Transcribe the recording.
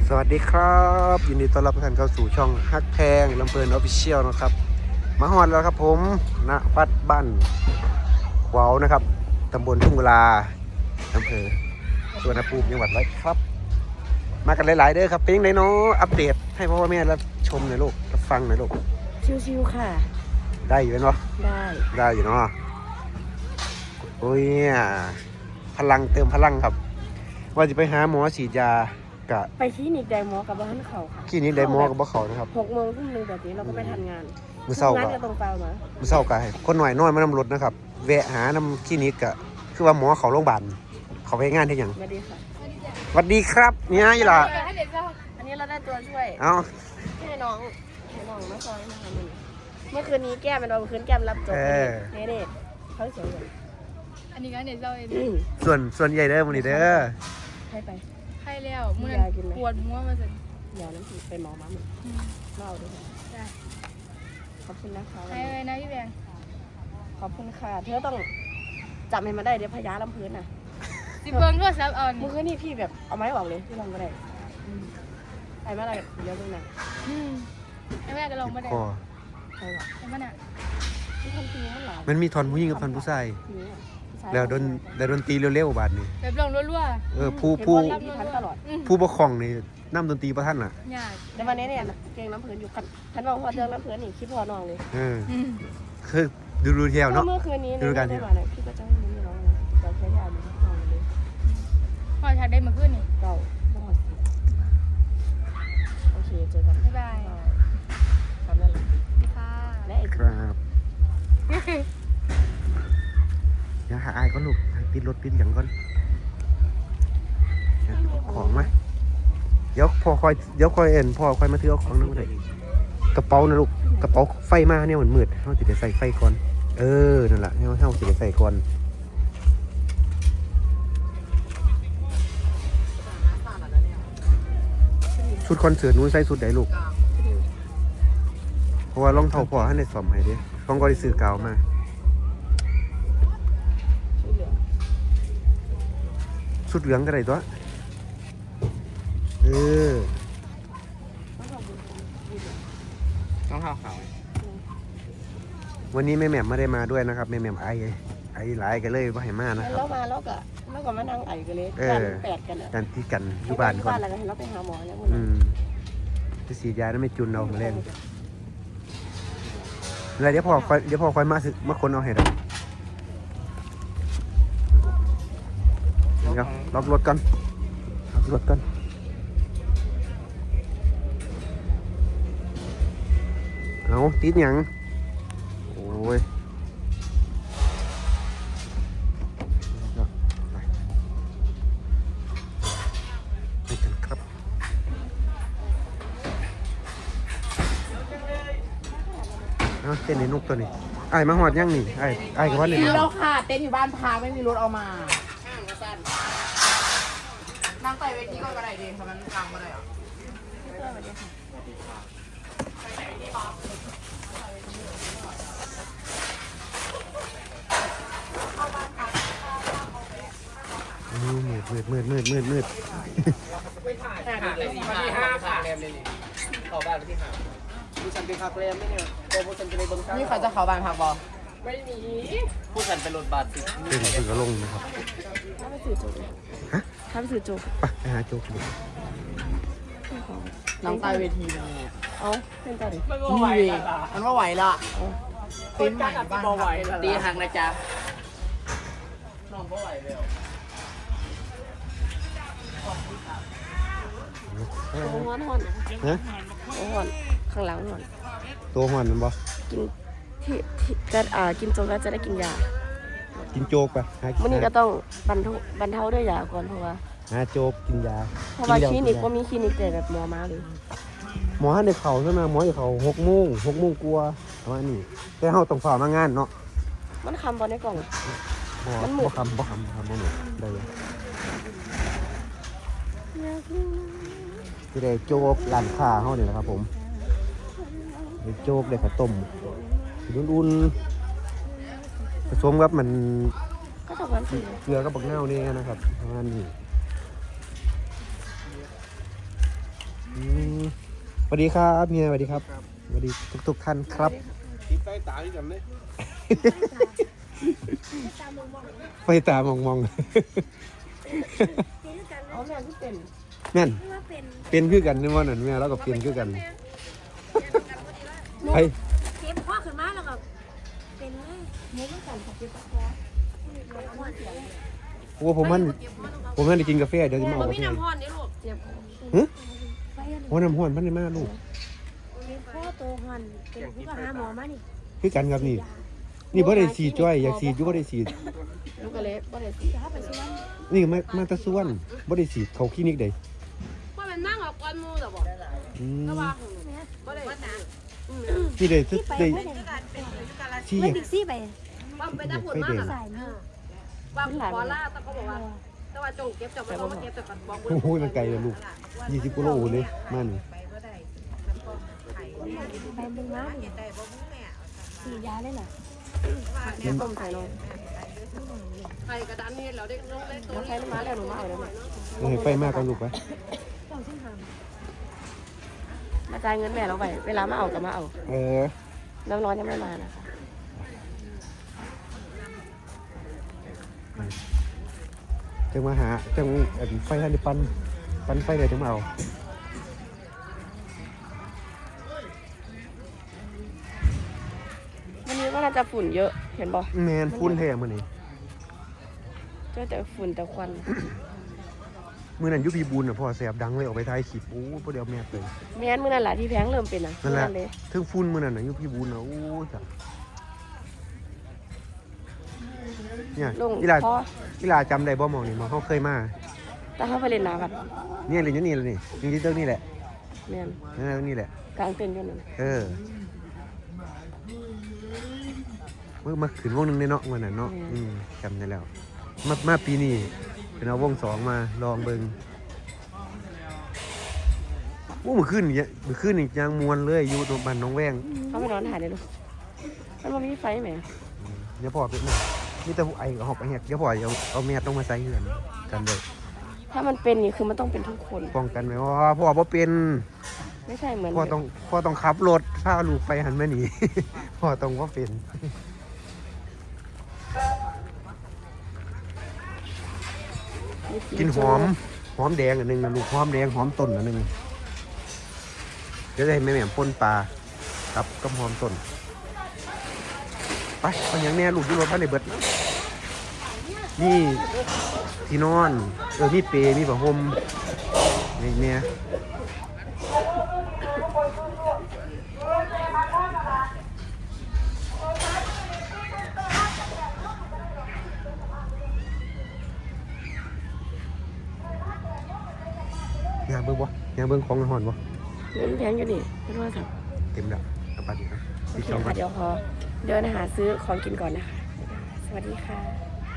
สวัสดีครับยินดีต้อนรับทุกท่านเข้าสู่ช่องฮักแพงลำเพลินออฟฟิเชียลนะครับมาฮอดแล้วครับผมณวัดบ้านขวาวนะครับตำบลทุ่งกุลาอำเภอสุวรรณภูมิจังหวัดร้อยครับ มากันหลายๆเด้อครับเป็นยังไงเนาะอัปเดตให้พ่อแม่รับชมหน่อยลูกรับฟังหน่อยลูกชิวๆค่ะได้อยู่เนาะได้อยู่เนาะโอ้ยพลังเติมพลังครับ ว่าจะไปหาหมอฉีดยากะไปคลินิกไดมอกับบ้านเขาค่ะคลินิกไดมอกับบ่เขานะครับ 6 โมงทุ่มนึงแบบนี้เราก็ไปทันงานมื้อเช้าก็ตรงเปล่ามามื้อเช้าก็ให้คนหน่อยน้อยมานำรถนะครับแวะหานำคลินิกก็คือว่าหมอเขาโรงพยาบาลเขาไปงานที่หยังสวัสดีค่ะสวัสดีครับเนี่ยอีหล่ะอันนี้เราได้ตัวช่วยเอ้าให้น้องมาซอยนะคะเมื่อคืนนี้แก้มเป็นวันคืนแก้มรับจบนี่เขาเสียเลยอันนี้ก็เนี่ยเราเองส่วนใหญ่เด้อมื้อนี้เด้อให้ไปให้แล้วมื้อนั้นปวดหัวมาสิยาน้ำผีไปหมอมาหมดเล่าด้วยค่ะขอบคุณนะคะให้ไว้นะพี่แบงขอบคุณค่ะเธอต้องจำให้มาได้เดี๋ยวพยาลำพื้นน่ะสิเบิ้งก็ซับเอาเมื่อคืนนี้พี่แบบเอาไม้ออกเลยพี่ลองก็ได้ไอ้เมื่อไรเดี๋ยวเพิ่งนะไอ้แม่ก็ลงมาได้ใครวะไอ้มันอ่ะมันมีท่อนผู้หญิงกับท่อนผู้ชายแล้วดนตรีเร็วๆบาดนี้แบบลงรัวๆผู้ปกครองนี่นำดนตรีประท่านล่ะแต่วันนี้เนี่ยเก่งน้ำเพลินอยู่คันบอกว่าเจอน้ำเพลินนี่คิดพอน้องเลยคือดูเที่ยวเนาะเมื่อคืนนี้ดูการที่พี่ก็จะให้มึงน้องเลยเราใช้ยาดีน้องเลยพอชักได้มาขึ้นนี่เก่าโอเคเจอกันบ๊ายบายทำนั่นแหละค่ะและอีกครับยังหาไอ้ก็ลูกปิดรถปิดอย่างก่อนของไหมเดี๋ยวคอยเอ็นพ่อคอยมาถือเอาของนั่นมาเลยกระเป๋านะลูกกระเป๋าไฟมาเนี่ยมันมืดเขาจะได้ใส่ไฟก่อนนั่นแหละเขาจะได้ใส่ก่อนชุดคอนเสิร์ตนู้นใส่ชุดไหนลูกเพราะว่ารองเท้าพ่อให้ในสอมให้ดิต้องก็ได้ซื้อกาวมาชุดเหลืองก็ได้ตัวต้องเท้าขาววันนี้แม่แหม่มไม่ได้มาด้วยนะครับแม่แหม่มไอหลายกันเลยว่าให้มานะครับแล้วก็มานั่งไอกันเลยกันแปดกันกันที่กันอยู่บ้านก่อนเราไปหาหมอแล้วจะฉีดยาแล้วไม่จุนเอามาเล่นอะไรเดี๋ยวพ่อคอยมาคนเอาให้ได้เดี๋ยวล็อกรถกันเอาติดหยังโอ้ยไปกันครับเอาเต้นในนกตัวนี้ไอ้มาหอดยังนี่ไอ้กับว่าเนี่ยเราค่ะเต้นอยู่บ้านพาไม่มีรถเอามานั่งไปเวทีก็กระไดเดนทำไมมันกลางกระไดอ่ะมืดที่5ค่ะแรมเลยนี่เข้าบ้านที่5ผู้ฉันเป็นพักแรมไม่เนี่ยตัวผู้ฉันเป็นในเบิ้งซ่านี่เขาจะเข้าบ้านพักบอไม่มีผู้ฉันเป็นรถบัสเป็นสื่อกระลงนะครับถ้าไปสื่อโจ๊กถ้าไปสื่อโจ๊กไปหาโจ๊กดูน้องตายเวทีนี่เอาเป็นต่อดิมันไหวมันว่าไหวละตีนใหม่บ้านไหวตีหักนะจ๊ะน้องก็ไหวแล้วหอนข้างหลังหอนตัวหอนมันบ่กินที่กินโจ๊กแล้วจะได้กินยากินโจ๊กป่ะวันนี้ก็ต้องบรรเทาด้วยยาก่อนเพราะว่าหาโจ๊กกินยาเพราะว่าคลินิกก็มีคลินิกแต่แบบหมอมาเลยหมอให้ในเขาใช่ไหมหมอให้เขา6 โมงกลัวประมาณนี้แต่เขาต้องฝ่ามางานเนาะมันคำบอลในกล่องมันหมูคำบ่หมดได้ที่ได้โจ๊กร้านค้าเขาเนี่ยนะครับผมได้โจ๊กได้ข้าวต้มอุ่นๆผสมกับมันก็ตกวันสี่เกลือกับบักเน่านี่นะครับประมาณนี้วัสดีครับเมียสวัสดีครับสวัสดีทุกท่านครับติดใต้ตาที่กันเลยไฟตามองเอาแม่ที่เป็นๆนั่นเป็นคือกันนี่ว่านั่นแม่เราก็เป็นคือกันไปเก็บพ่อขึ้นมาแล้วก็เป็นเลยเนื้อกันค่ะเก็บพ่อโอ้ผมมันได้กินกาแฟเดี๋ยวจะมาเอากาแฟน้ำพรนี่ลูกเจ็บฮะโอ้น้ำห้อนมันได้มากลูกพ่อโตหอนเป็นผู้ก็หาหมอมานี่คือกันครับนี่บ่ได้สีจ้อยอยากสีอยู่บ่ได้สีลูกกระเล็บบ่ได้สิถ้าไปซื้อนี่มาตะส่วนบ่ได้สีเขาคลินิกใดว่ามันนั่งออกก้อนมูแต่บอกอืมบ่ได้ที่ได้ทุกได้ที่ไม่บิ๊กซี่ไปว่าไปตะผุนมากอ่ะว่าขอล่าแต่เขาบอกว่าแต่ว่าจงเก็บจับมาเก็บแต่กันบอกโอ้โหมันไกลเลยลูก20กิโลเลยมานี่ไปมึงมาดิสียาเลยเหรอต้มไข่ลงไข่กระดานนี่เราได้ลงเล่นตัวไข่มาแล้วหนูมาเอาได้ไหมให้ไฟมากกันลูกไปเจ้าซึ่งหามมาจ่ายเงินแม่เราไปเวลามาเอาก็มาเอาเออน้ำร้อนยังไม่มานะคะจังมาหาจังไฟทันได้ปันไฟเลยจังมาเอาวันนี้ก็น่าจะฝุ่นเยอะเห็นบ่แมนฟุ้นแท้มื้อนี้เจอแต่ฝุ่นแต่ควันมื้อนั้นอยู่พี่บุญน่ะพ่อแสบดังเลยออกไปถ่ายคลิปโอ้บ่ได้เอาแมสเลยแม่นมื้อนั่นแหละที่แพงเริ่มเป็นอ่ะนั่นแหละเลยถึงฟุ้นมื้อนั้นน่ะอยู่พี่บุญน่ะโอ้จ้ะเนี่ยลงอีหลาพออีหลาจำได้บ่หม่องนี่หมองเขาเคยมาแต่เขาไปเล่นน้ำกันเนี่ยเลยนี่แหละนี่นี่เรื่องนี่แหละแม่นนี่แหละกลางเต็นท์อยู่นั่นเออมาขึ้นวงหนึงในเนาะวันนั้นเนาะจำได้แล้วมาปีนี้เป็นเอาวงสองมาลองเบิ่งโอ้เมื่อคืนนี่ยังมวนเลยอยู่ตรงบ้านน้องแวงเขาไปนอนถ่ายเลยลูกมันบ่มีไฟแหมเดี๋ยวพ่อเป็นนะมีแต่ไอ้กับหอกไอ้เห็ดเดี๋ยวพ่อเอาแมสต้องมาใส่เหือนกันเลยถ้ามันเป็นนี่คือมันต้องเป็นทุกคนป้องกันไว้ว่าพ่อบ่เป็นไม่ใช่เหมือนพ่อต้องขับรถพาลูกไปหันมาหนี พ่อต้องว่าเป็นกินหอมแดงอันหนึงนะลูกหอมแดงหอมต้นอันหนึงเดี๋ยวจะให้แม่ป่นปลาครับกับหอมต้นไปเอาอย่างแน่ลูกอยู่รถบ้านในเบิดนี่ที่นอนมีเปรมีผ้าห่มนี่แม่ยางเบิ้งบ่ยางเบิ้งของหอนบ่เงินแพงอยู่นี่ไม่รู้ว่าสับเต็มแล้วเอาไปดิครับโอเคค่ะเดี๋ยวขอเดินหาซื้อของกินก่อนนะคะ สวัสดีค่ะ